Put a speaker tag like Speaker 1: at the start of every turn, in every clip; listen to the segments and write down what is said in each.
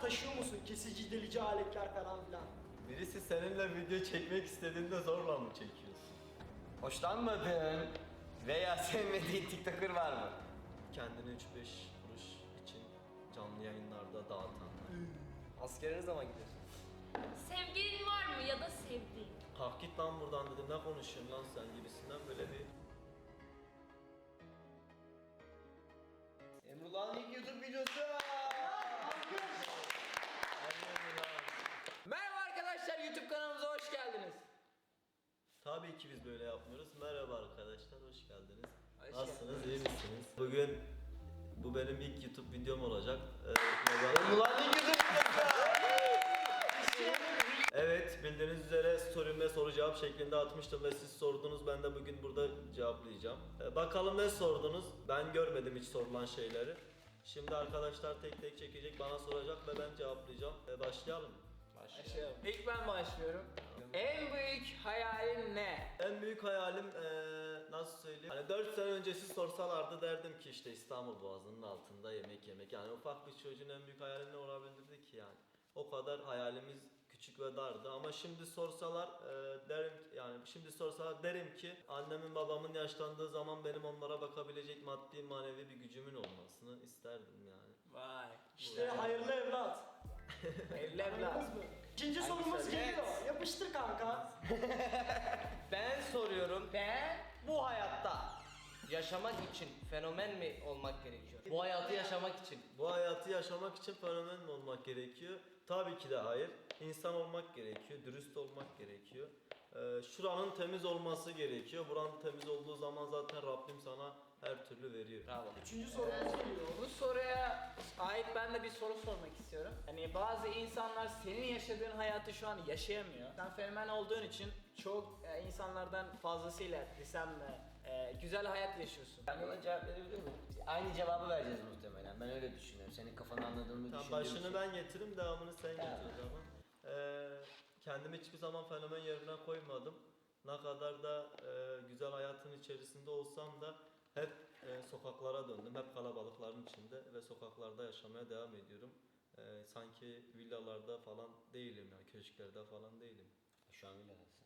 Speaker 1: taşıyor musun? Kesici, delici aletler falan filan.
Speaker 2: Birisi seninle video çekmek istediğinde zorla mı çekiyorsun?
Speaker 3: Hoşlanmadığın veya sevmediğin TikToker var mı?
Speaker 2: Kendini 3-5 kuruş için canlı yayınlarda dağıtanlar.
Speaker 3: Askere ne zaman gidiyorsun?
Speaker 4: Sevgilin var mı ya da sevdiğin?
Speaker 2: Kalk git lan buradan dedim, ne konuşuyorsun lan sen gibisinden böyle bir...
Speaker 3: Emrullah'ın ilk YouTube videosu. Merhaba arkadaşlar, YouTube kanalımıza hoş geldiniz.
Speaker 2: Tabii ki biz böyle yapmıyoruz. Merhaba arkadaşlar, hoş geldiniz.
Speaker 3: Hoş
Speaker 2: Nasılsınız, iyi misiniz? Bugün bu benim ilk YouTube videom olacak.
Speaker 3: Emrullah'ın ilk YouTube videosu.
Speaker 2: Evet, bildiğiniz üzere story'ime soru cevap şeklinde atmıştım ve siz sordunuz, ben de bugün burada cevaplayacağım. Bakalım ne sordunuz? Ben görmedim hiç sorulan şeyleri. Şimdi arkadaşlar tek tek çekecek, bana soracak ve ben cevaplayacağım. Başlayalım.
Speaker 5: Başlayalım. İlk ben başlıyorum. En büyük hayalin ne?
Speaker 2: En büyük hayalim nasıl söyleyeyim? Hani 4 sene önce siz sorsalardı derdim ki işte İstanbul Boğazı'nın altında yemek yemek. Yani ufak bir çocuğun en büyük hayali ne olabilirdi ki yani? O kadar hayalimiz küçük ve dardı ama şimdi sorsalar derim ki annemin babamın yaşlandığı zaman benim onlara bakabilecek maddi manevi bir gücümün olmasını isterdim yani.
Speaker 5: Vay.
Speaker 1: İşte hayırlı evlat.
Speaker 5: Evli evlat.
Speaker 1: Anladınız mı? İkinci sorumuz
Speaker 5: soru?
Speaker 1: geliyor. Yapıştır kanka.
Speaker 6: Ben soruyorum.
Speaker 5: Ben
Speaker 6: Bu hayatta yaşamak için fenomen mi olmak gerekiyor? Bu hayatı yaşamak için.
Speaker 2: Bu hayatı yaşamak için fenomen mi olmak gerekiyor? Tabii ki de hayır. İnsan olmak gerekiyor, dürüst olmak gerekiyor. Şuranın temiz olması gerekiyor. Buranın temiz olduğu zaman zaten Rabbim sana her türlü veriyor.
Speaker 6: Bravo.
Speaker 1: Üçüncü sorumuz geliyor.
Speaker 5: bu soruya ait ben de bir soru sormak istiyorum. Hani bazı insanlar senin yaşadığın hayatı şu an yaşayamıyor. Sen fenomen olduğun için çok insanlardan fazlasıyla desem de güzel hayat yaşıyorsun.
Speaker 3: Ben buna cevap verebilir miyim? Aynı cevabı vereceğiz muhtemelen. Ben öyle düşünüyorum. Senin kafanı anladığımı
Speaker 2: Tamam,
Speaker 3: düşünüyorum.
Speaker 2: başını ben getiririm, devamını sen getir o zaman. Kendimi hiçbir zaman fenomen yerine koymadım. Ne kadar da güzel hayatın içerisinde olsam da hep sokaklara döndüm. Hep kalabalıkların içinde ve sokaklarda yaşamaya devam ediyorum. Sanki villalarda falan değilim yani, köşklerde falan değilim.
Speaker 3: Şu an villadasın.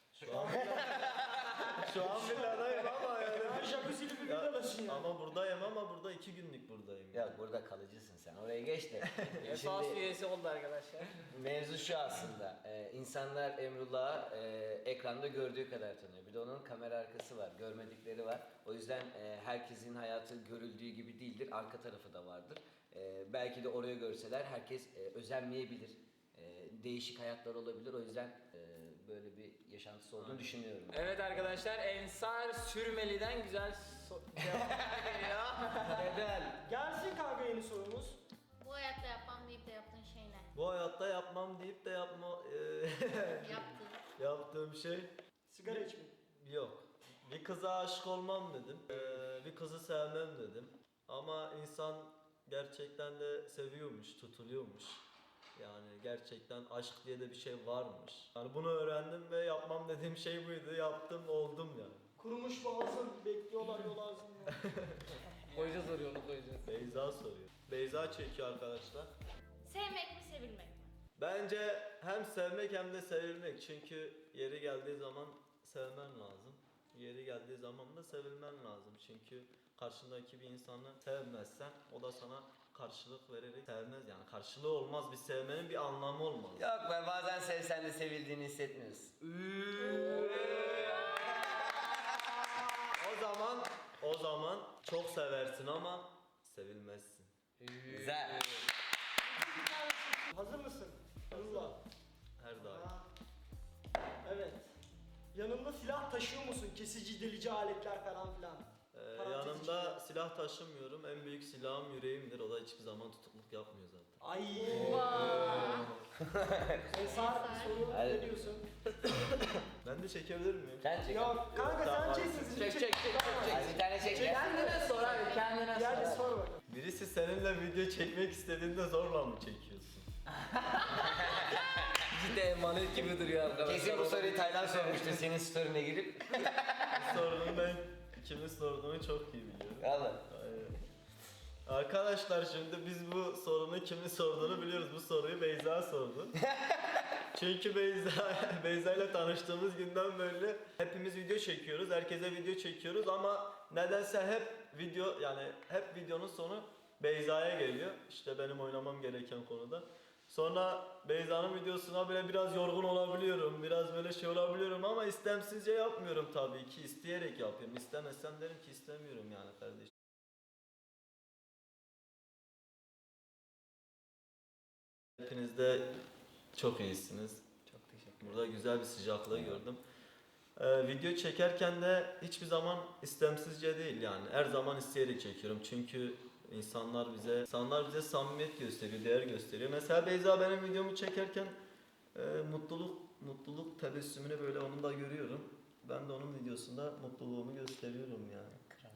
Speaker 2: Şu an villadayım ama yani.
Speaker 1: Ya jacuzzi'li bir villadasın ya.
Speaker 2: Ama buradayım, ama burada 2 günlük buradayım.
Speaker 3: Ya burada kalıcısın sen. Oraya geç de.
Speaker 5: Esas üyesi oldu arkadaşlar.
Speaker 3: Mevzu şu aslında. İnsanlar Emrullah'ı ekranda gördüğü kadar tanıyor. Bir de onun kamera arkası var. Görmedikleri var. O yüzden herkesin hayatı görüldüğü gibi değildir. Arka tarafı da vardır. Belki de oraya görseler herkes özenmeyebilir. Değişik hayatlar olabilir. O yüzden böyle bir yaşantısı olduğunu düşünüyorum.
Speaker 5: Evet arkadaşlar, Ensar Sürmeli'den güzel cevap geliyor.
Speaker 3: Neden?
Speaker 1: Gelsin kanka yeni sorumuz.
Speaker 4: Bu hayatta yapmam deyip de yaptığın şey ne?
Speaker 2: Bu hayatta yapmam deyip de
Speaker 4: Yaptığın.
Speaker 2: yaptığım şey
Speaker 1: Sigara içmek.
Speaker 2: yok. Bir kıza aşık olmam dedim. Bir kızı sevmem dedim. Ama insan gerçekten de seviyormuş, tutuluyormuş. Yani gerçekten aşk diye de bir şey varmış. Yani bunu öğrendim ve yapmam dediğim şey buydu. Yaptım, oldum yani.
Speaker 1: Kurumuş boğazın bekliyorlar yol ağzında.
Speaker 6: Koyacağız oraya, onu koyacağız.
Speaker 2: Beyza soruyor. Beyza çekiyor arkadaşlar.
Speaker 4: Sevmek mi sevilmek mi?
Speaker 2: Bence hem sevmek hem de sevilmek. Çünkü yeri geldiği zaman sevmen lazım. Yeri geldiği zaman da sevilmen lazım. Çünkü karşındaki bir insanı sevmezsen o da sana karşılık vererek sevmez, yani karşılığı olmaz, bir sevmenin bir anlamı olmaz.
Speaker 3: Yok be, bazen sevsen de sevildiğini hissetmiyorsun.
Speaker 2: O zaman çok seversin ama sevilmezsin.
Speaker 3: Güzel.
Speaker 1: Hazır mısın? Nurullah.
Speaker 2: Her daim.
Speaker 1: Evet. Yanında silah taşıyor musun? Kesici, delici aletler falan filan. Parantez
Speaker 2: Yanımda
Speaker 1: içinde.
Speaker 2: silah taşımıyorum. En büyük silahım yüreğimdir. O da hiçbir zaman tutukluk yapmıyor zaten.
Speaker 1: Ay. Ensar soru
Speaker 3: Hadi.
Speaker 1: ne diyorsun?
Speaker 2: Ben de çekebilir miyim?
Speaker 3: Sen çek.
Speaker 1: Yok kanka
Speaker 2: Tamam.
Speaker 1: sen çeksin.
Speaker 6: Çek.
Speaker 3: Hadi bir tane çek.
Speaker 5: Kendine sor abi, kendine sor.
Speaker 1: Hadi sor bakalım.
Speaker 2: Birisi seninle video çekmek istediğinde zorla mı çekiyorsun?
Speaker 6: Ciddi emanet gibi duruyor arkadaşlar.
Speaker 3: Kesin bu soruyu Taylan sormuştur senin story'ne girip.
Speaker 2: Bu sorunun ben kimin sorduğunu çok iyi biliyorum.
Speaker 3: Valla.
Speaker 2: Aynen. Arkadaşlar şimdi biz bu sorunu kimin sorduğunu biliyoruz. Bu soruyu Beyza sordu. Çünkü Beyza ile tanıştığımız günden böyle hepimiz video çekiyoruz. Herkese video çekiyoruz ama nedense hep videonun sonu Beyza'ya geliyor. İşte benim oynamam gereken konuda. Sonra Beyza'nın videosuna böyle biraz yorgun olabiliyorum. Biraz böyle şey olabiliyorum ama istemsizce yapmıyorum tabii ki. İsteyerek yapıyorum. İstemezsem derim ki istemiyorum yani kardeşim. Hepiniz de çok iyisiniz.
Speaker 3: Çok teşekkür
Speaker 2: Burada güzel bir sıcaklığı gördüm. Video çekerken de hiçbir zaman istemsizce değil yani. Her zaman isteyerek çekiyorum. Çünkü insanlar bize samimiyet gösteriyor, değer gösteriyor. Mesela Beyza benim videomu çekerken mutluluk tebessümünü böyle onun da görüyorum. Ben de onun videosunda mutluluğumu gösteriyorum yani.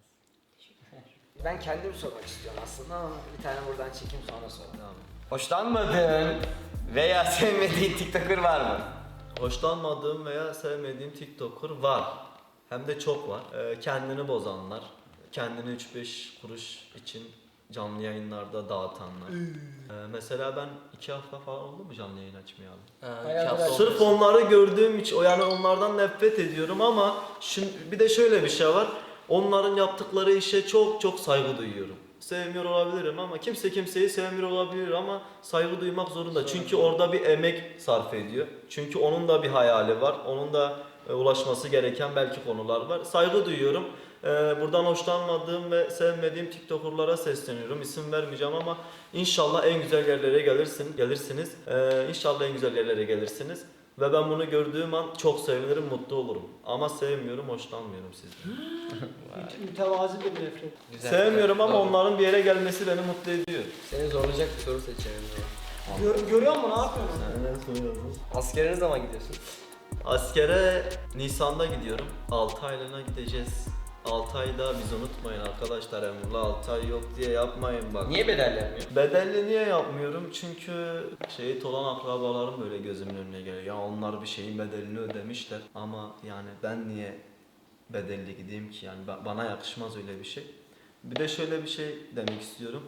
Speaker 3: Ben kendim sormak istiyorum aslında ama bir tane buradan çekeyim sonra sor.
Speaker 2: Tamam.
Speaker 3: Hoşlanmadığın veya sevmediğin TikToker var mı?
Speaker 2: Hoşlanmadığım veya sevmediğim TikToker var. Hem de çok var. Kendini bozanlar, kendini 3-5 kuruş için canlı yayınlarda dağıtanlar. Mesela ben 2 hafta falan oldu mu canlı yayın açmayalı? Sırf onları gördüğüm için, yani onlardan nefret ediyorum ama bir de şöyle bir şey var. Onların yaptıkları işe çok saygı duyuyorum. Sevmiyor olabilirim ama kimse kimseyi sevmiyor olabilir ama saygı duymak zorunda. Çünkü orada bir emek sarf ediyor. Çünkü onun da bir hayali var. Onun da ulaşması gereken belki konular var. Saygı duyuyorum. Buradan hoşlanmadığım ve sevmediğim TikToker'lara sesleniyorum. İsim vermeyeceğim ama inşallah en güzel yerlere gelirsiniz. İnşallah en güzel yerlere gelirsiniz. Ve ben bunu gördüğüm an çok sevinirim, mutlu olurum. Ama sevmiyorum, hoşlanmıyorum sizden.
Speaker 1: Mütevazi bir nefret.
Speaker 6: Güzel.
Speaker 2: Sevmiyorum ama
Speaker 6: Doğru.
Speaker 2: onların bir yere gelmesi beni mutlu ediyor.
Speaker 6: Seni zorlayacak bir soru seçelim.
Speaker 1: Görüyor musun? Ne yapıyorsun?
Speaker 6: Askere ne zaman gidiyorsun?
Speaker 2: Askere Nisan'da gidiyorum. 6 aylığına gideceğiz. 6 ayda biz unutmayın arkadaşlar, Emrullah 6 ay yok diye yapmayın bak.
Speaker 3: Niye bedel yapmıyor?
Speaker 2: Bedelli niye yapmıyorum? Çünkü şehit olan akrabalarım böyle gözümün önüne geliyor. Ya onlar bir şeyin bedelini ödemişler ama yani ben niye bedelli gideyim ki? Yani bana yakışmaz öyle bir şey. Bir de şöyle bir şey demek istiyorum.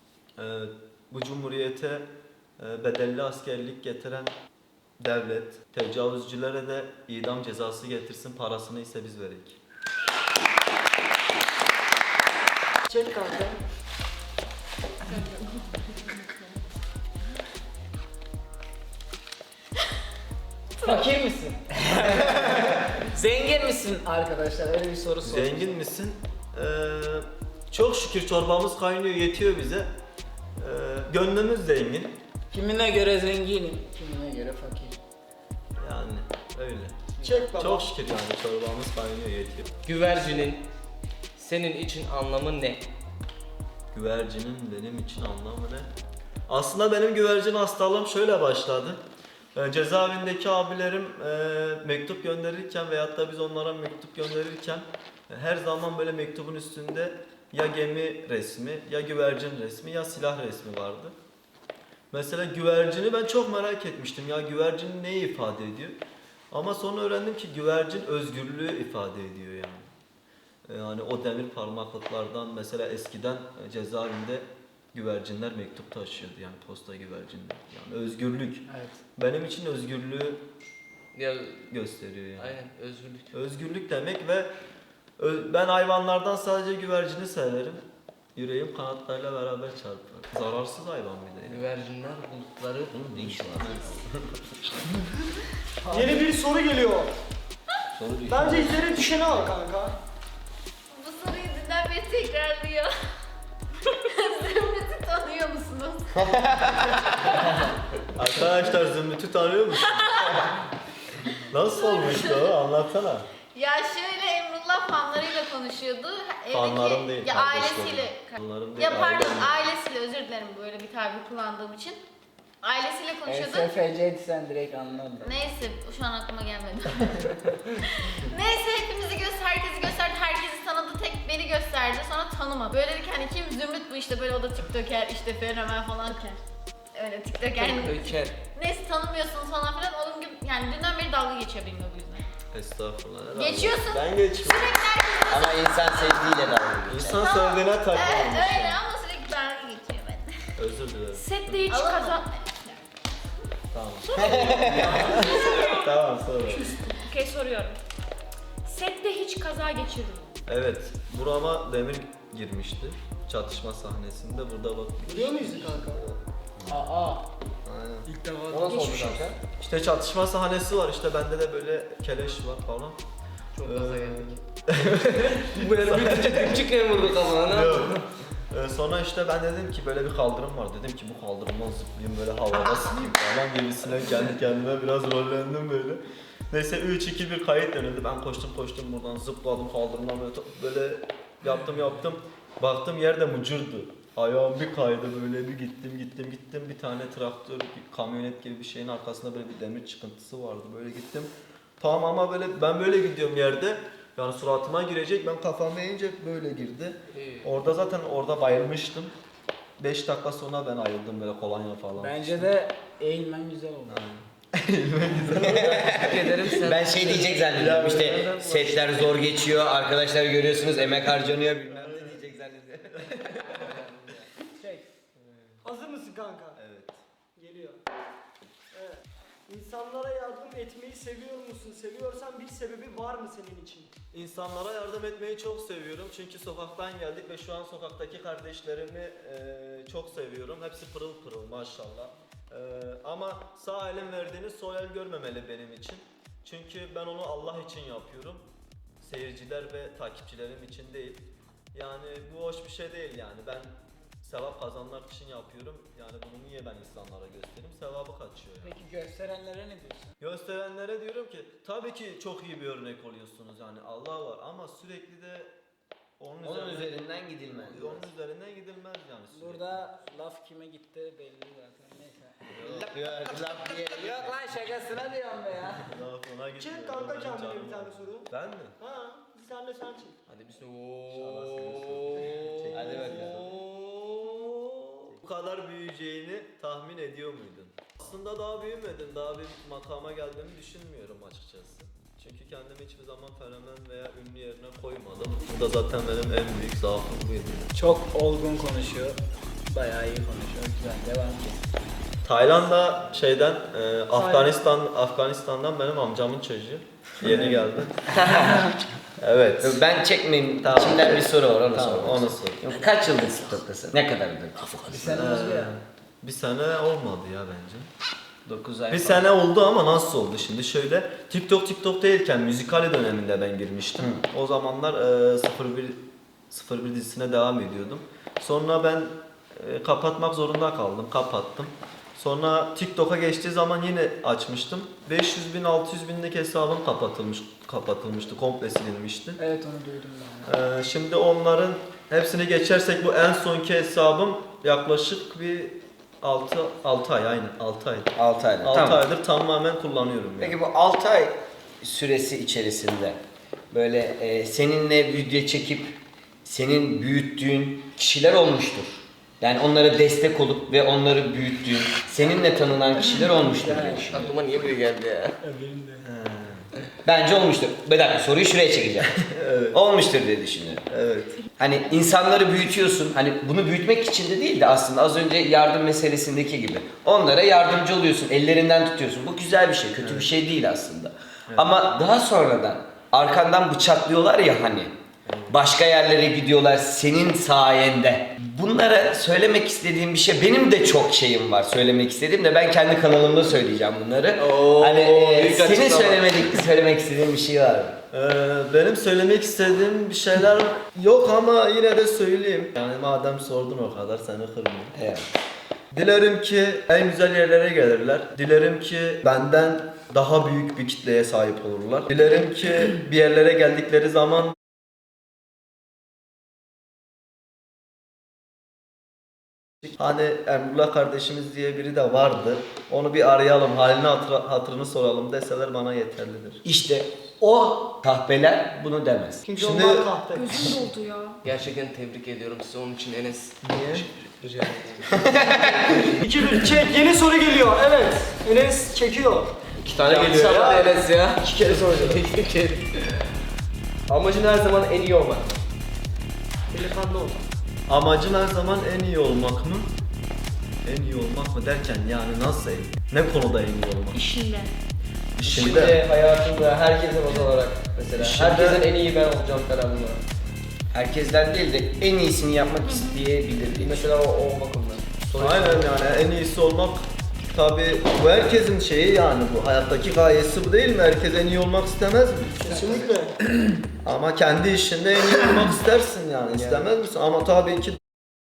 Speaker 2: Bu cumhuriyete bedelli askerlik getiren devlet tecavüzcülere de idam cezası getirsin, parasını ise biz verelim.
Speaker 1: Çek kanka.
Speaker 5: Fakir misin? Zengin misin arkadaşlar? Öyle bir soru sor.
Speaker 2: Zengin misin? Çok şükür çorbamız kaynıyor, yetiyor bize. Gönlümüz zengin.
Speaker 5: Kimine göre zenginim, kimine göre fakir.
Speaker 2: Yani öyle.
Speaker 1: Çek baba.
Speaker 2: Çok şükür yani çorbamız kaynıyor, yetiyor.
Speaker 6: Güvercinin senin için anlamı ne?
Speaker 2: Güvercinin benim için anlamı ne? Aslında benim güvercin hastalığım şöyle başladı. Cezaevindeki abilerim mektup gönderirken veyahut da biz onlara mektup gönderirken her zaman böyle mektubun üstünde ya gemi resmi, ya güvercin resmi, ya silah resmi vardı. Mesela güvercini ben çok merak etmiştim. Ya güvercin neyi ifade ediyor? Ama sonra öğrendim ki güvercin özgürlüğü ifade ediyor yani. Yani o demir parmaklıklardan mesela eskiden cezaevinde güvercinler mektup taşıyordu yani posta güvercinler. Yani özgürlük.
Speaker 5: Evet.
Speaker 2: Benim için özgürlüğü
Speaker 6: Ya
Speaker 2: gösteriyor yani.
Speaker 6: aynen özgürlük.
Speaker 2: Özgürlük demek ve ben hayvanlardan sadece güvercini severim. Yüreğim kanatlarıyla beraber çarpar. Zararsız hayvan bir de. Yani.
Speaker 6: Güvercinler bulutları
Speaker 1: Yeni bir soru geliyor.
Speaker 3: Soru düşün.
Speaker 1: Bence izlere düşeni al kanka.
Speaker 4: Bu soruyu dünden beri tekrarlıyor. Zümrüt'ü tanıyor musunuz?
Speaker 2: Arkadaşlar Zümrüt'ü tanıyor musun? Nasıl olmuştu o? Anlatsana.
Speaker 4: Ya şöyle Emrullah fanlarıyla konuşuyordu.
Speaker 2: Fanlarım değil,
Speaker 4: Ya
Speaker 2: kardeşlerim.
Speaker 4: ailesiyle.
Speaker 2: Fanlarım değil,
Speaker 4: Ya pardon
Speaker 2: ailem.
Speaker 4: ailesiyle, özür dilerim böyle bir tabir kullandığım için. Ailesiyle konuşuyordu.
Speaker 5: SFC'di sen direkt anladın.
Speaker 4: Neyse şu an aklıma gelmedi. Neyse herkesi gösterdi, herkesi tanıdı, tek beni gösterdi, sonra tanımadı. Böyle dedik hani kim Zümrüt bu işte böyle o da tiktoker işte fenomen falan. Öyle tiktoker.
Speaker 6: Öker.
Speaker 4: Neyse tanımıyorsunuz falan filan. Oğlum gibi yani dünden beri dalga geçiyor benimle bu yüzden.
Speaker 2: Estağfurullah. ne dalga?
Speaker 4: Geçiyorsun.
Speaker 2: Ben geçmiyorum.
Speaker 4: Sürekli herkes
Speaker 3: Ama insan sevdiğiyle dalga geçer.
Speaker 2: İnsan sevdiğine takılmış.
Speaker 4: öyle ama sürekli
Speaker 2: Özür dilerim.
Speaker 7: Sette hiç
Speaker 4: Alınma.
Speaker 7: kaza...
Speaker 2: Tamam. Tamam sonra.
Speaker 7: Okey, soruyorum. Sette hiç kaza geçirdin mi?
Speaker 2: Evet, burama demir girmişti. Çatışma sahnesinde burada bak.
Speaker 1: Biliyor muyuz kanka?
Speaker 5: Aa.
Speaker 2: Aynen.
Speaker 5: İlk defa.
Speaker 6: O nasıl oldu kanka?
Speaker 2: İşte çatışma sahnesi var, işte bende de böyle keleş var falan.
Speaker 6: Çok gaza geldik. Bu herif bir çıkıyor vurdu kafana.
Speaker 2: Yok. Sonra işte ben dedim ki böyle bir kaldırım var. Dedim ki bu kaldırımdan zıplayayım böyle havada sıkayım falan gibisine kendi kendime biraz rollendim böyle. Neyse 3-2-1 kayıt dönüldü. Ben koştum buradan zıpladım kaldırımdan böyle yaptım. Baktım yerde mucurdu. Ayağım bir kaydı böyle bir gittim. Bir tane traktör, bir kamyonet gibi bir şeyin arkasında böyle bir demir çıkıntısı vardı. Böyle gittim. Tamam ama böyle ben böyle gidiyorum yerde. Yani suratıma girecek, ben kafamı eğince böyle girdi. Orada zaten bayılmıştım. 5 dakika sonra ben ayıldım böyle kolonya falan.
Speaker 5: Bence de eğilmen güzel oldu.
Speaker 6: Tebrik ederim sen.
Speaker 3: Ben şey diyecek zannediyorum işte setler zor geçiyor, arkadaşlar görüyorsunuz emek harcanıyor bilmem ne diyecek zannediyorum.
Speaker 1: Hazır mısın kanka?
Speaker 2: Evet.
Speaker 1: Geliyor. Evet. İnsanlara yardım etmeyi seviyor musun? Seviyorsan bir sebebi var mı senin için?
Speaker 2: İnsanlara yardım etmeyi çok seviyorum çünkü sokaktan geldik ve şu an sokaktaki kardeşlerimi çok seviyorum. Hepsi pırıl pırıl maşallah. Ama sağ elin verdiğini sol el görmemeli benim için. Çünkü ben onu Allah için yapıyorum. Seyirciler ve takipçilerim için değil. Yani bu hoş bir şey değil yani. Ben sevap kazanmak için yapıyorum. Yani bunu niye ben insanlara göstereyim? Sevabı kaçıyor yani.
Speaker 5: Peki gösterenlere ne diyorsun?
Speaker 2: Gösterenlere diyorum ki tabii ki çok iyi bir örnek oluyorsunuz yani Allah var ama sürekli de onun
Speaker 3: üzerinden gidilmez.
Speaker 2: Onun üzerinden gidilmez yani sürekli.
Speaker 5: Burada laf kime gitti belli zaten. Neyse.
Speaker 3: Yok
Speaker 5: Lan şakasına diyorum be ya.
Speaker 2: Laf ona gitmiyor.
Speaker 1: Çek kanka
Speaker 2: Onun
Speaker 1: kendine
Speaker 2: canı
Speaker 1: bir tane
Speaker 2: var.
Speaker 1: soru.
Speaker 2: Ben mi?
Speaker 1: Ha, sen de sen çek.
Speaker 6: Hadi bir
Speaker 3: Hadi bakalım.
Speaker 2: Bu kadar büyüyeceğini tahmin ediyor muydun? Aslında daha büyümedim. Daha bir makama geldiğimi düşünmüyorum açıkçası. Çünkü kendimi hiçbir zaman fenomen veya ünlü yerine koymadım. Bu da zaten benim en büyük zaafım buydu.
Speaker 5: Çok olgun konuşuyor. Bayağı iyi konuşuyor. Güzel. Devam et.
Speaker 2: Tayland'da Afganistan'dan benim amcamın çocuğu. Yeni geldi. Evet.
Speaker 3: Ben çekmeyeyim.
Speaker 2: Tamam.
Speaker 3: İçimden bir soru var onu
Speaker 2: Tamam,
Speaker 3: sormak
Speaker 2: onu
Speaker 3: istiyorum.
Speaker 2: sor.
Speaker 3: Kaç yıldır TikTok'tasın? Ne kadardır?
Speaker 5: Bir sene oldu ya.
Speaker 2: Bir sene olmadı ya bence.
Speaker 3: 9 ay
Speaker 2: Bir
Speaker 3: falan.
Speaker 2: sene oldu ama nasıl oldu şimdi şöyle TikTok değilken müzikali döneminde ben girmiştim. O zamanlar 01 dizisine devam ediyordum. Sonra ben kapatmak zorunda kaldım. Kapattım. Sonra TikTok'a geçtiği zaman yine açmıştım. 500 bin 600 binlik hesabım kapatılmıştı. Komple silinmişti.
Speaker 5: Evet onu duydum ben.
Speaker 2: Şimdi onların hepsini geçersek bu en sonki hesabım yaklaşık bir 6 ay aynen 6 ay.
Speaker 3: 6 aydır.
Speaker 2: 6
Speaker 3: Tamam.
Speaker 2: aydır tamamen kullanıyorum yani.
Speaker 3: Peki bu 6 ay süresi içerisinde böyle seninle video çekip senin büyüttüğün kişiler olmuştur. Yani onlara destek olup ve onları büyüttüğün, seninle tanınan kişiler olmuştur diye düşünüyorum.
Speaker 6: Aklıma niye biri geldi ya?
Speaker 3: Bence olmuştur. Bir dakika soruyu şuraya çekeceğim. Olmuştur diye düşünüyorum.
Speaker 2: Evet.
Speaker 3: Hani insanları büyütüyorsun. Hani bunu büyütmek için de değil de aslında az önce yardım meselesindeki gibi. Onlara yardımcı oluyorsun, ellerinden tutuyorsun. Bu güzel bir şey, kötü bir şey değil aslında. Ama daha sonradan arkandan bıçaklıyorlar ya hani. Başka yerlere gidiyorlar senin sayende. Bunlara söylemek istediğim bir şey, benim de çok şeyim var söylemek istediğim de ben kendi kanalımda söyleyeceğim bunları.
Speaker 6: büyük
Speaker 3: Senin
Speaker 6: açıklama.
Speaker 3: söylemek istediğin bir şey var mı?
Speaker 2: Benim söylemek istediğim bir şeyler yok ama yine de söyleyeyim. Yani madem sordun o kadar seni kırmayayım.
Speaker 3: Evet.
Speaker 2: Dilerim ki en güzel yerlere gelirler. Dilerim ki benden daha büyük bir kitleye sahip olurlar. Dilerim ki bir yerlere geldikleri zaman hani Emrullah kardeşimiz diye biri de vardı. Onu bir arayalım, halini hatırını soralım deseler bana yeterlidir.
Speaker 3: İşte o kahpeler bunu demez.
Speaker 1: Çünkü
Speaker 2: Şimdi-
Speaker 1: onlar kahpe.
Speaker 7: Gözüm doldu ya.
Speaker 6: Gerçekten tebrik ediyorum size onun için Enes.
Speaker 2: Niye?
Speaker 6: Rica ederim.
Speaker 1: 2-1 çek. Yeni soru geliyor. Evet. Enes çekiyor.
Speaker 6: 2 tane geliyor ya. Enes ya.
Speaker 1: 2 kere soracağım.
Speaker 6: Amacın her zaman en iyi olmak.
Speaker 1: Delikanlı ol.
Speaker 2: Amacın her zaman en iyi olmak mı? En iyi olmak mı derken yani nasıl en iyi? Ne konuda en iyi olmak?
Speaker 7: İşinde.
Speaker 2: İşinde.
Speaker 6: hayatında herkese baz olarak mesela.
Speaker 2: İşinde-
Speaker 6: Herkesten en iyi ben olacağım falan mı?
Speaker 3: Herkesten değil de en iyisini yapmak isteyebilir.
Speaker 6: Mesela o bakımdan.
Speaker 2: Aynen yani en iyisi olmak tabi bu herkesin şeyi yani bu hayattaki gayesi bu değil mi? Herkes en iyi olmak istemez mi?
Speaker 1: Kesinlikle.
Speaker 2: Ama kendi işinde en iyi olmak istersin yani istemez misin? Ama tabii ki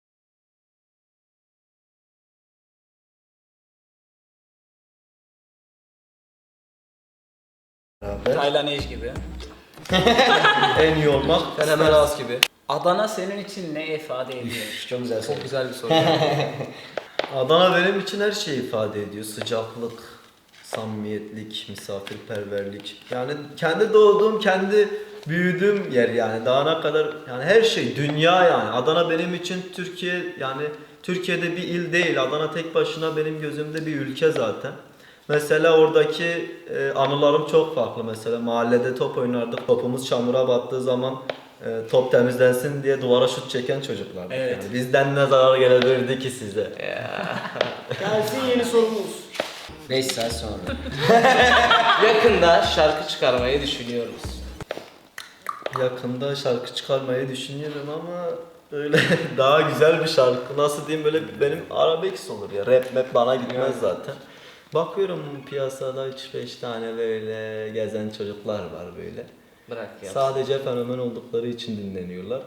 Speaker 5: Taylan Eş gibi.
Speaker 2: en iyi olmak
Speaker 6: Fenomen Ağız gibi.
Speaker 5: Adana senin için ne ifade ediyor?
Speaker 3: Çok güzel soru.
Speaker 6: Çok güzel bir soru.
Speaker 2: Adana benim için her şeyi ifade ediyor. Sıcaklık, samimiyetlik, misafirperverlik. Yani kendi doğduğum, kendi büyüdüğüm yer yani. Daha ne kadar yani her şey dünya yani. Adana benim için Türkiye yani Türkiye'de bir il değil. Adana tek başına benim gözümde bir ülke zaten. Mesela oradaki anılarım çok farklı. Mesela mahallede top oynardık. Topumuz çamura battığı zaman top temizlensin diye duvara şut çeken çocuklar.
Speaker 5: Evet.
Speaker 2: Yani bizden ne zarar gelebilirdi ki size?
Speaker 1: Gelsin yeni sorumuz.
Speaker 3: 5 saat sonra.
Speaker 6: Yakında şarkı çıkarmayı düşünüyoruz.
Speaker 2: Yakında şarkı çıkarmayı düşünüyorum ama öyle daha güzel bir şarkı. Nasıl diyeyim böyle benim arabesk olur ya. Rap bana gitmez zaten. Bakıyorum piyasada 3-5 tane böyle gezen çocuklar var böyle.
Speaker 6: Bırak ya.
Speaker 2: Sadece fenomen oldukları için dinleniyorlar.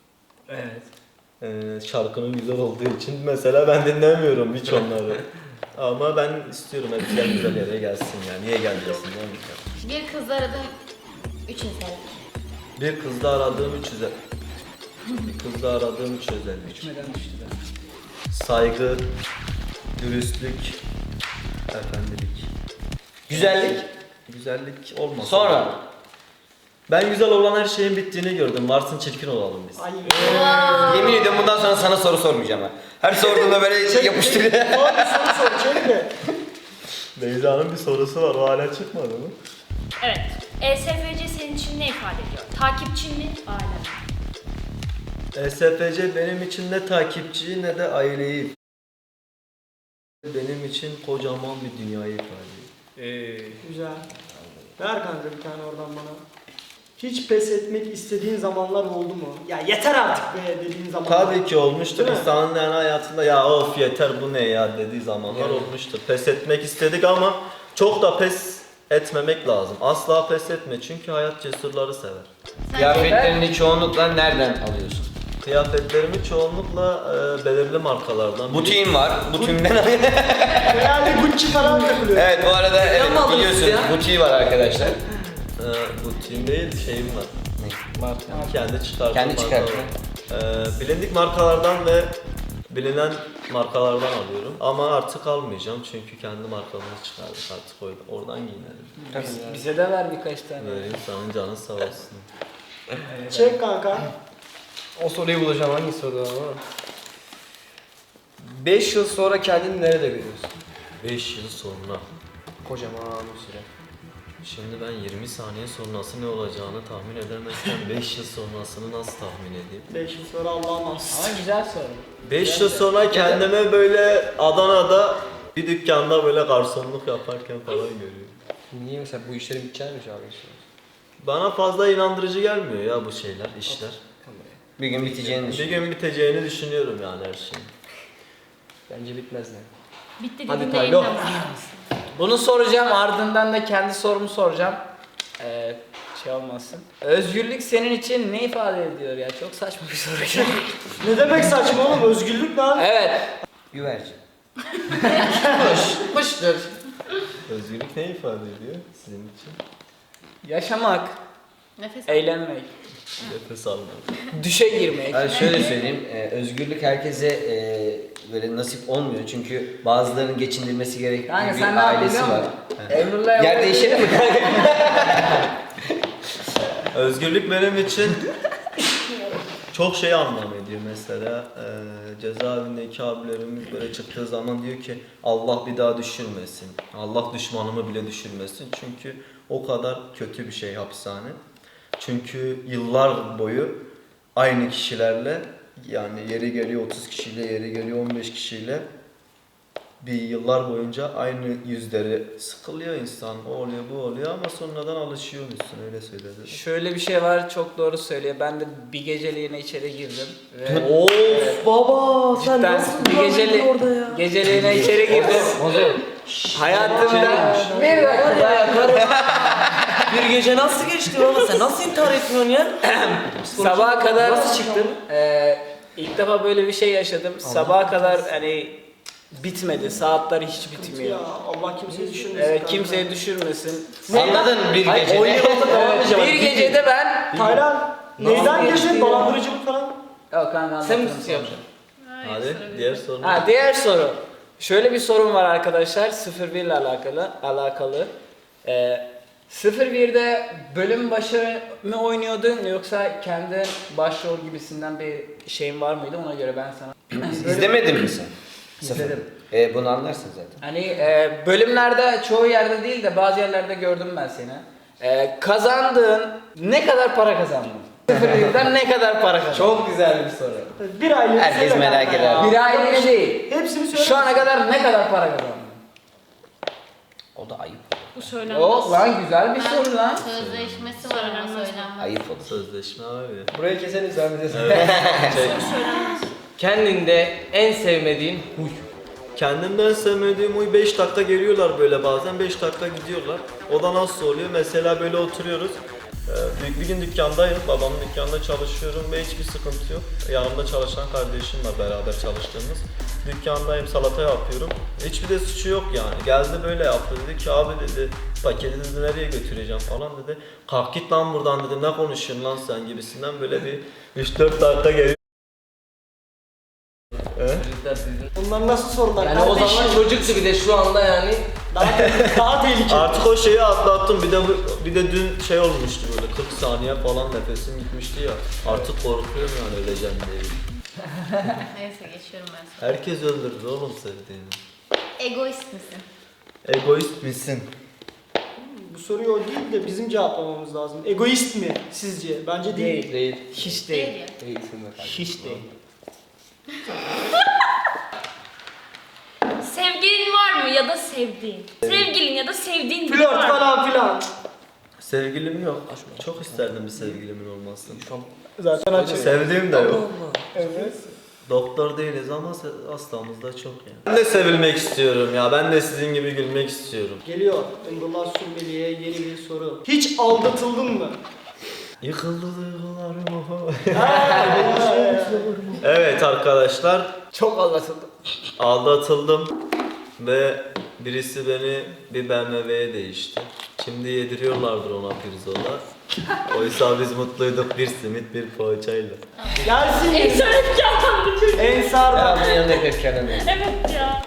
Speaker 5: Evet.
Speaker 2: Şarkının güzel olduğu için mesela ben dinlemiyorum hiç onları. Ama ben istiyorum hepsi güzel yere gelsin yani. Niye gelmesin değil mi?
Speaker 4: Bir kız aradım. 3 insan.
Speaker 2: Bir kızda aradığım 3 özellik. Bir kızda aradığım 3 özellik.
Speaker 5: Düşmeden düştü de.
Speaker 2: Saygı, dürüstlük, efendilik.
Speaker 3: Güzellik.
Speaker 2: Güzellik olmasa.
Speaker 3: Sonra.
Speaker 2: Ben güzel olan her şeyin bittiğini gördüm. Varsın çirkin olalım biz.
Speaker 1: Ay.
Speaker 3: Yemin ediyorum bundan sonra sana soru sormayacağım ha. Her sorduğunda böyle yapıştırıyor.
Speaker 1: Abi soru sor, çek de.
Speaker 2: Beyza'nın bir sorusu var. O hala çıkmadı mı?
Speaker 7: Evet. ESFC senin için ne ifade ediyor? Takipçin mi? Aile mi?
Speaker 2: ESFC benim için ne takipçiyi ne de aileyi. Benim için kocaman bir dünyayı ifade ediyor.
Speaker 1: Güzel. Ver kanka bir tane oradan bana. Hiç pes etmek istediğin zamanlar oldu mu? Ya yeter artık be dediğin zamanlar.
Speaker 2: Tabii ki olmuştur.
Speaker 1: Değil mi?
Speaker 2: İnsanın yani hayatında ya of yeter bu ne ya dediği zamanlar olmuştur. Pes etmek istedik ama çok da pes etmemek lazım. Asla pes etme çünkü hayat cesurları sever.
Speaker 3: Kıyafetlerini çoğunlukla nereden alıyorsun?
Speaker 2: Kıyafetlerimi çoğunlukla belirli markalardan.
Speaker 3: Butiğin var. Butiğimden alıyorum.
Speaker 1: Herhalde Gucci falan takılıyor.
Speaker 3: Evet bu arada evet,
Speaker 6: mi alıyorsun
Speaker 3: biliyorsunuz
Speaker 6: ya?
Speaker 3: butiği var arkadaşlar.
Speaker 2: Butiğim değil şeyim var.
Speaker 3: Var.
Speaker 2: Kendi çıkarttığım
Speaker 3: Kendi
Speaker 2: markalar.
Speaker 3: çıkarttın.
Speaker 2: Bilindik markalardan ve bilinen markalardan alıyorum. Ama artık almayacağım çünkü kendi markamızı çıkardık artık oradan giyinelim.
Speaker 5: Bize de ver birkaç tane.
Speaker 2: Böyle insanın canı sağ olsun.
Speaker 1: Çek kanka.
Speaker 6: O soruyu bulacağım hangi soru ama. 5 yıl sonra kendini nerede görüyorsun?
Speaker 2: 5 yıl sonra.
Speaker 6: Kocaman bir süre.
Speaker 2: Şimdi ben 20 saniye sonrası ne olacağını tahmin edemezken 5 yıl sonrasını nasıl tahmin edeyim?
Speaker 1: 5 yıl sonra Allah'a mahsus.
Speaker 5: Ama güzel soru.
Speaker 2: 5 yıl sonra kendime böyle Adana'da bir dükkanda böyle garsonluk yaparken falan görüyorum.
Speaker 6: Niye mesela bu işlerin biteceğini mi çağırıyorsun?
Speaker 2: Bana fazla inandırıcı gelmiyor ya bu şeyler, işler.
Speaker 3: Bir gün biteceğini
Speaker 2: Bir
Speaker 3: düşün.
Speaker 2: gün biteceğini düşünüyorum yani her şeyin.
Speaker 6: Bence bitmez ne?
Speaker 7: Bitti
Speaker 6: Hadi
Speaker 7: dediğinde
Speaker 6: Taylo.
Speaker 7: yeniden başlıyorsun.
Speaker 5: Bunu soracağım ardından da kendi sorumu soracağım. Şey olmasın. Özgürlük senin için ne ifade ediyor ya? Çok saçma bir soru.
Speaker 1: Ne demek saçma oğlum? Özgürlük lan.
Speaker 5: Evet.
Speaker 3: Güvercin.
Speaker 6: Kuştur.
Speaker 2: Özgürlük ne ifade ediyor sizin için?
Speaker 5: Yaşamak,
Speaker 4: Nefes al.
Speaker 5: eğlenmek,
Speaker 2: Nefes almak.
Speaker 5: düşe girmek.
Speaker 3: Ben şöyle söyleyeyim, özgürlük herkese böyle nasip olmuyor çünkü bazılarının geçindirmesi gerektiği
Speaker 5: Kanka
Speaker 3: bir
Speaker 5: sen ne yaptın
Speaker 3: ailesi
Speaker 5: biliyor
Speaker 3: var.
Speaker 5: musun? Emrullah
Speaker 3: Yer değişelim mi?
Speaker 2: Özgürlük benim için çok şey anlam ediyor mesela. Cezaevindeki abilerimiz böyle çıktığı zaman diyor ki Allah bir daha düşürmesin. Allah düşmanımı bile düşürmesin. Çünkü o kadar kötü bir şey hapishane. Çünkü yıllar boyu aynı kişilerle yani yeri geliyor 30 kişiyle, yeri geliyor 15 kişiyle bir yıllar boyunca aynı yüzleri sıkılıyor insan. O oluyor bu oluyor ama sonradan alışıyormuşsun öyle söyledi.
Speaker 5: Şöyle bir şey var, çok doğru söylüyor. Ben de bir geceliğine içeri girdim. Ve
Speaker 1: Of baba sen
Speaker 5: cidden
Speaker 1: nasıl
Speaker 5: bir
Speaker 1: duramadın orada ya?
Speaker 5: geceliğine içeri girdim. Hayatımda bir dakika.
Speaker 6: Bir gece nasıl geçti baba? Sen nasıl intihar etmiyorsun ya?
Speaker 5: Sabaha kadar
Speaker 6: Nasıl çıktın?
Speaker 5: İlk defa böyle bir şey yaşadım. Sabaha kadar hani bitmedi. Saatler hiç
Speaker 1: Ya
Speaker 5: bitmiyor.
Speaker 1: Allah kimseyi düşürmesin.
Speaker 5: Evet,
Speaker 1: kanka.
Speaker 5: kimseyi düşürmesin.
Speaker 3: Anladın bir
Speaker 6: Hayır,
Speaker 3: gece.
Speaker 6: 10 yıl oldu devam
Speaker 5: Bir gecede ben...
Speaker 1: Taylan neyden girdin? Dolandırıcılık falan.
Speaker 5: Yok kanka,
Speaker 6: Sen mi
Speaker 5: anlatırım sonra.
Speaker 6: yapacaksın?
Speaker 2: Hadi diğer soru.
Speaker 5: Diğer soru. Şöyle bir sorun var arkadaşlar. 01 ile alakalı. 01'de bölüm başı mı oynuyordun yoksa kendi başrol gibisinden bir şeyin var mıydı? Ona göre ben sana...
Speaker 3: İzlemedin mi sen?
Speaker 5: İzledim.
Speaker 3: Bunu anlarsın zaten.
Speaker 5: Hani bölümlerde çoğu yerde değil de bazı yerlerde gördüm ben seni. Kazandığın ne kadar para kazandın? 01'den ne kadar para kazandın?
Speaker 6: Çok güzel bir soru.
Speaker 1: Bir aile.
Speaker 3: Herkes merak eder.
Speaker 5: Bir aylığına değil.
Speaker 1: Hepsini söyle.
Speaker 5: Şu ana kadar ne kadar para kazandın?
Speaker 3: O da ayıp.
Speaker 7: Bu söylenmez.
Speaker 5: Yok lan, güzel bir soru lan.
Speaker 4: Sözleşmesi var ama söylenmez.
Speaker 3: Ayıp olur.
Speaker 2: Sözleşme abi.
Speaker 6: Burayı keselim sen bize.
Speaker 7: Söylenmez.
Speaker 6: Kendinde en sevmediğin huy.
Speaker 2: Kendimden sevmediğim huy 5 dakika geliyorlar böyle bazen 5 dakika gidiyorlar. O da nasıl oluyor? Mesela böyle oturuyoruz. Bir gün dükkandayım, babamın dükkanında çalışıyorum ve hiçbir sıkıntı yok. Yanımda çalışan kardeşim var, beraber çalıştığımız. Dükkandayım, salata yapıyorum. Hiçbir de suçu yok yani. Geldi böyle yaptı, dedi ki abi dedi, paketi dedi nereye götüreceğim falan dedi. Kalk git lan buradan dedi, ne konuşuyorsun lan sen gibisinden böyle bir 3-4 dakika geliyor.
Speaker 1: Bunlar nasıl sorular?
Speaker 6: Yani o zaman çocuktu bir de şu anda yani.
Speaker 1: Daha tehlikeli.
Speaker 2: Artık o şeyi atlattım. Bir de dün şey olmuştu böyle 40 saniye falan nefesim gitmişti ya. Artık korkuyorum yani öleceğim diye.
Speaker 4: Neyse geçiyorum ben sonra.
Speaker 2: Herkes öldürür oğlum sevdiğini.
Speaker 4: Egoist misin?
Speaker 2: Egoist misin?
Speaker 1: Bu soruyu o değil de bizim cevaplamamız lazım. Egoist mi sizce? Bence değil.
Speaker 6: Değil.
Speaker 5: Hiç
Speaker 4: Değil
Speaker 5: değil.
Speaker 4: ya.
Speaker 6: Değilsin be kardeşim.
Speaker 5: Hiç değil.
Speaker 7: Sevgilin var mı ya da sevdiğin? Sevgilin ya da sevdiğin biri
Speaker 1: Flört
Speaker 7: var mı?
Speaker 1: falan filan.
Speaker 2: Sevgilim yok. Çok isterdim bir sevgilimin olmasını.
Speaker 1: Zaten açık.
Speaker 2: Sevdiğim de yok.
Speaker 1: Evet.
Speaker 2: Doktor değiliz ama hastamızda çok yani. Ben de sevilmek istiyorum ya. Ben de sizin gibi gülmek istiyorum.
Speaker 1: Geliyor. Emrullah Sürmeli'ye yeni bir soru. Hiç aldatıldın mı?
Speaker 2: Yıkıldı duygularım. Evet arkadaşlar.
Speaker 5: Çok anlatıldı.
Speaker 2: Aldatıldım ve birisi beni bir BMW'ye değişti. Şimdi yediriyorlardır ona pirzola. Oysa biz mutluyduk bir simit bir poğaçayla.
Speaker 1: Gelsin.
Speaker 7: Ensar hep canlandı çocuk.
Speaker 1: Ensar'dan.
Speaker 6: Devamlı yanında hep kendine.
Speaker 7: Evet ya.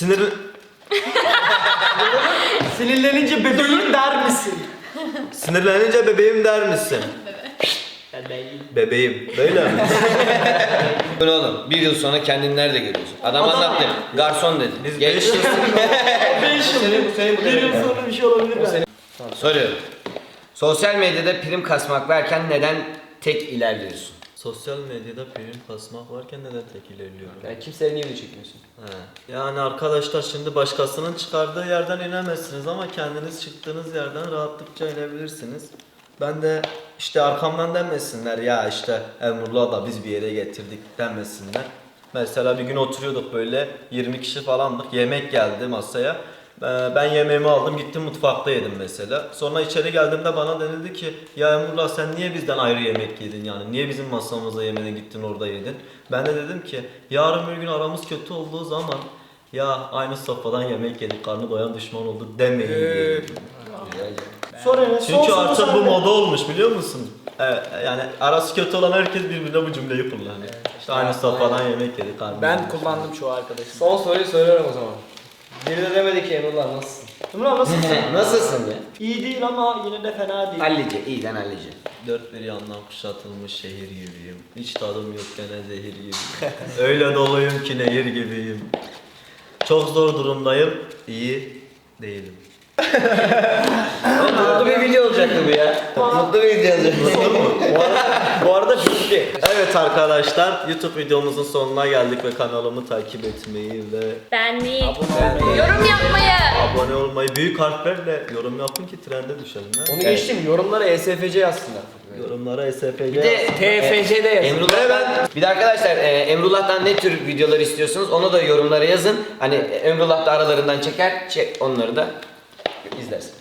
Speaker 1: Sinirlenince bebeğim der misin?
Speaker 2: Sinirlenince bebeğim der misin? Bebeğim. Böyle mi?
Speaker 3: Bu ne oğlum? Bir yıl sonra kendini nerede görüyorsun? Adam anlattı. Garson dedi.
Speaker 2: Biz
Speaker 3: Geç.
Speaker 2: 5 yıl...
Speaker 1: 5 yıl. Bir yıl sonra bir şey olabilir mi?
Speaker 3: Soruyorum. Sosyal medyada prim kasmak varken neden tek ilerliyorsun?
Speaker 2: Sosyal medyada prim kasmak varken neden tek ilerliyorum?
Speaker 6: Yani kimseye niye video çekmiyorsun?
Speaker 2: He. Yani arkadaşlar şimdi başkasının çıkardığı yerden inemezsiniz ama kendiniz çıktığınız yerden rahatlıkça inebilirsiniz. Ben de işte arkamdan demesinler ya işte Emrullah da biz bir yere getirdik demesinler. Mesela bir gün oturuyorduk böyle 20 kişi falandık, yemek geldi masaya. Ben yemeğimi aldım gittim mutfakta yedim mesela. Sonra içeri geldiğimde bana denildi ki ya Emrullah sen niye bizden ayrı yemek yedin yani niye bizim masamıza yemedin gittin orada yedin. Ben de dedim ki yarın bir gün aramız kötü olduğu zaman ya aynı sofradan yemek yedik karnı doyan düşman oldu demeyin diye.
Speaker 1: Sonra ne?
Speaker 2: Çünkü artık bu moda olmuş biliyor musun? Evet, yani arası kötü olan herkes birbirine bu cümleyi kullanıyor. İşte aynı sofradan yemek yedik karnı
Speaker 5: Ben
Speaker 2: doyan düşman.
Speaker 5: kullandım çoğu arkadaşım.
Speaker 6: Son soruyu soruyorum o zaman. Biri de demedi ki Emrullah nasılsın?
Speaker 1: Emrullah nasılsın?
Speaker 3: Nasılsın ya?
Speaker 1: İyi değil ama yine de fena değil.
Speaker 3: Hallice, iyiden hallice.
Speaker 2: Dört bir yandan kuşatılmış şehir gibiyim. Hiç tadım yok gene zehir gibiyim. Öyle doluyum ki nehir gibiyim. Çok zor durumdayım, iyi değilim.
Speaker 3: Mutlu bir video olacaktı bu ya. Mutlu bir video olacaktı.
Speaker 2: Bu arada bitti. Evet arkadaşlar, YouTube videomuzun sonuna geldik ve kanalımı takip etmeyi ve
Speaker 7: Beğenmeyi,
Speaker 4: Yorum yapmayı.
Speaker 2: abone olmayı, büyük harflerle yorum yapın ki trende düşelim. Ha?
Speaker 6: Onu geçtim. Yorumlara ESFC yazsınlar.
Speaker 2: Yorumlara SPC.
Speaker 3: Bir de
Speaker 5: TFC'de yazın.
Speaker 3: Bir de arkadaşlar Emrullah'tan ne tür videolar istiyorsunuz onu da yorumlara yazın. Hani Emrullah da aralarından çeker, onları da izlersin.